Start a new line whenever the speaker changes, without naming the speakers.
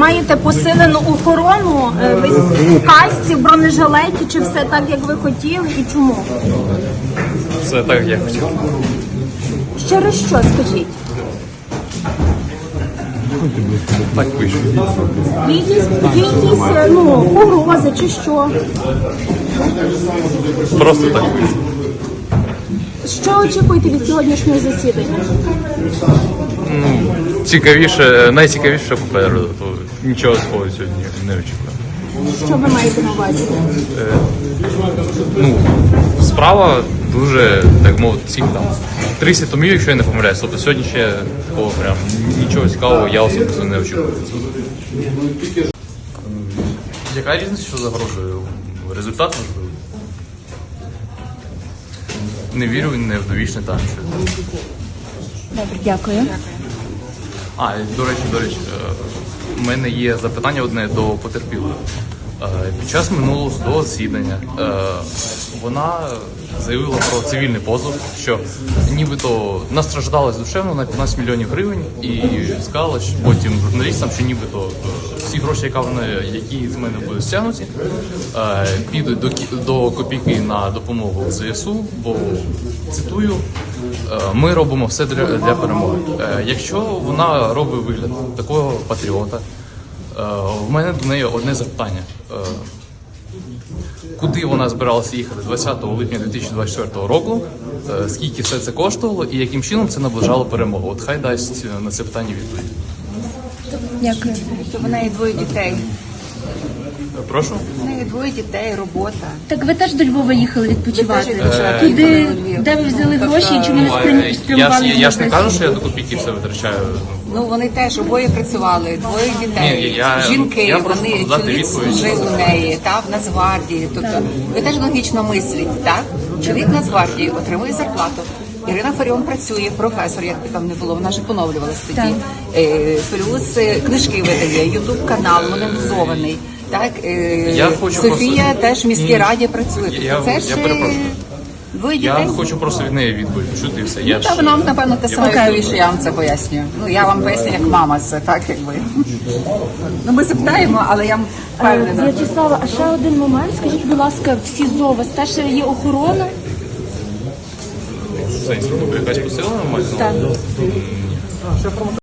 маєте посилену охорону, ви в касці, в бронежилеті, чи все так, як ви хотіли, і чому?
Все так, як я хотів.
Через що, скажіть?
Так пишу.
Є якісь погрози чи що?
Просто так пишу.
Що очікуєте від сьогоднішнього засідання?
Цікавіше, найцікавіше попереду, то нічого такого сьогодні не очікую.
Що ви маєте на увазі?
Справа дуже, так мовити, всіх там 30 томів, якщо я не помиляюсь. Тобто сьогодні ще такого прям нічого цікавого я особисто не очікую. Яка різниця, що загрожує? Результат можливий? Не вірю, не в довічне там.
Добре, дякую.
До речі, у мене є запитання одне до потерпілої. Під час минулого судового засідання вона заявила про цивільний позов, що нібито настраждалась душевно на 15 мільйонів гривень і сказала що потім журналістам, що нібито всі гроші, які з мене будуть стягнуті, підуть до копійки на допомогу ЗСУ, бо, цитую, ми робимо все для перемоги. Якщо вона робить вигляд такого патріота, в мене до неї одне запитання. Куди вона збиралася їхати 20 липня 2024 року, скільки все це коштувало і яким чином це наближало перемогу? От хай дасть на це питання відповідь.
Дякую.
В неї двоє дітей.
Прошу?
В неї двоє дітей, робота.
Так ви теж до Львова їхали відпочивати?
відпочивати
Туди,
їхали в Львів.
де ви взяли гроші і чому не спрямували?
Я ж не кажу, що я до копійки все витрачаю.
Ну вони теж обоє працювали, двоє дітей,
Ні,
жінки,
я прошу
вони
дати
чоловік
відповідь.
служив у неї, в Нацгвардії. Тобто ви теж логічно мисліть, так? Чоловік в Нацгвардії отримує зарплату. Ірина Фаріон працює, професор, як би там не було, вона ж поновлювалась тоді. Плюс книжки видає, ютуб канал монетизований. Так, Софія
просто...
теж в міській раді працює. Тобто це ж двоє
Я
дітей.
хочу просто від неї відповідь почути і все.
Та вона, напевно, те саме, що я вам це пояснюю. Ну, я вам поясню, як мама це, так, якби. Ну, ми запитаємо, але я впевнена.
В'ячеслава, а ще один момент. Скажіть, будь ласка, в СІЗО у вас теж є охорона?
Якась посилена мать?
Так.